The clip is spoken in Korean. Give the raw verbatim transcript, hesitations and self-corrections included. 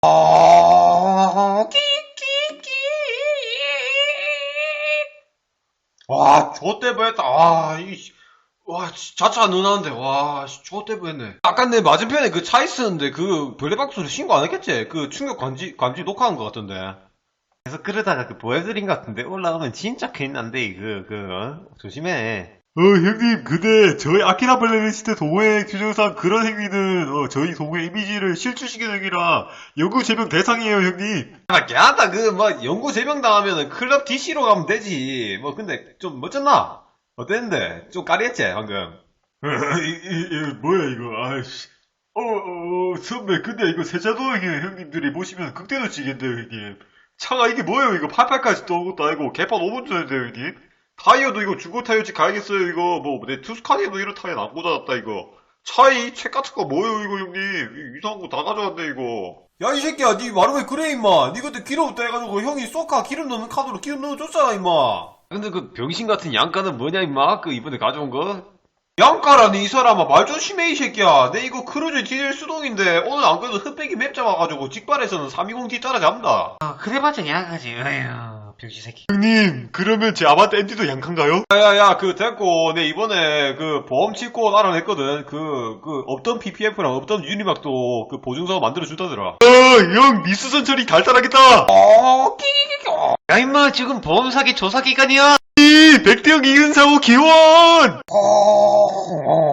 아, 끼끼끼. 와, 좆대 보였다. 아, 이, 와, 자차 안 누나는데, 와, 좆대 보였네. 아까 내 맞은편에 그 차 있었는데, 그, 별내박수를 신고 안 했겠지? 그 충격 감지, 감지 녹화한 것 같던데. 그래서 그러다가 그 보여드린 것 같은데, 올라오면 진짜 큰일 난데, 그, 그, 어? 조심해. 어, 형님, 근데 저희 아키라 블랙리스트 동호회 규정상 그런 행위는 어, 저희 동호회 이미지를 실추시키는 행위라 연구 제명 대상이에요, 형님. 야, 걔한다, 그, 뭐, 연구 제명 당하면은 클럽 디씨로 가면 되지. 뭐, 근데, 좀, 멋졌나? 어땠는데? 좀 까리했지, 방금. 어, 이, 이, 이, 뭐야 이거? 아이씨. 어, 어, 어, 선배, 근데 이거 세자도형이 형님들이 보시면 극대노 치겠는데요, 형님. 차가 이게 뭐예요? 이거 팔팔까지 떠온 것도 아니고 개판 오 분 전인데요, 형님. 타이어도 이거 중고 타이어집 가야겠어요, 이거. 뭐, 내 투스카니에도 이런 타이어 안 꽂아놨다, 이거. 차이, 책 같은 거 뭐예요, 이거, 형님. 이- 이상한 거 다 가져왔네, 이거. 야, 이 새끼야, 니 말을 왜 그래, 임마. 니 그때 기름 없다 해가지고 형이 쏘카 기름 넣는 카드로 기름 넣어줬잖아, 임마. 근데 그 병신 같은 양가는 뭐냐, 임마? 그 이번에 가져온 거? 양가라니, 이 사람아. 말 조심해, 이 새끼야. 내 이거 크루즈 디젤 수동인데, 오늘 안 그래도 흑백이 맵 잡아가지고, 직발에서는 삼이공 디 따라잡는다. 아, 그래봤자 양아지. 에휴, 병신 새끼. 형님, 그러면 제 아반떼 엠티도 양칸가요? 야야야, 그, 됐고, 내 이번에 그 보험 치고 알아냈거든. 그, 그, 없던 피피에프랑 없던 유니막도 그 보증서 만들어주다더라. 어, 형, 미수선 처리 달달하겠다. 어, 끼끼끼. 야, 임마, 지금 보험 사기 조사 기간이야. 이, 백대형 이은사고 기원! 어,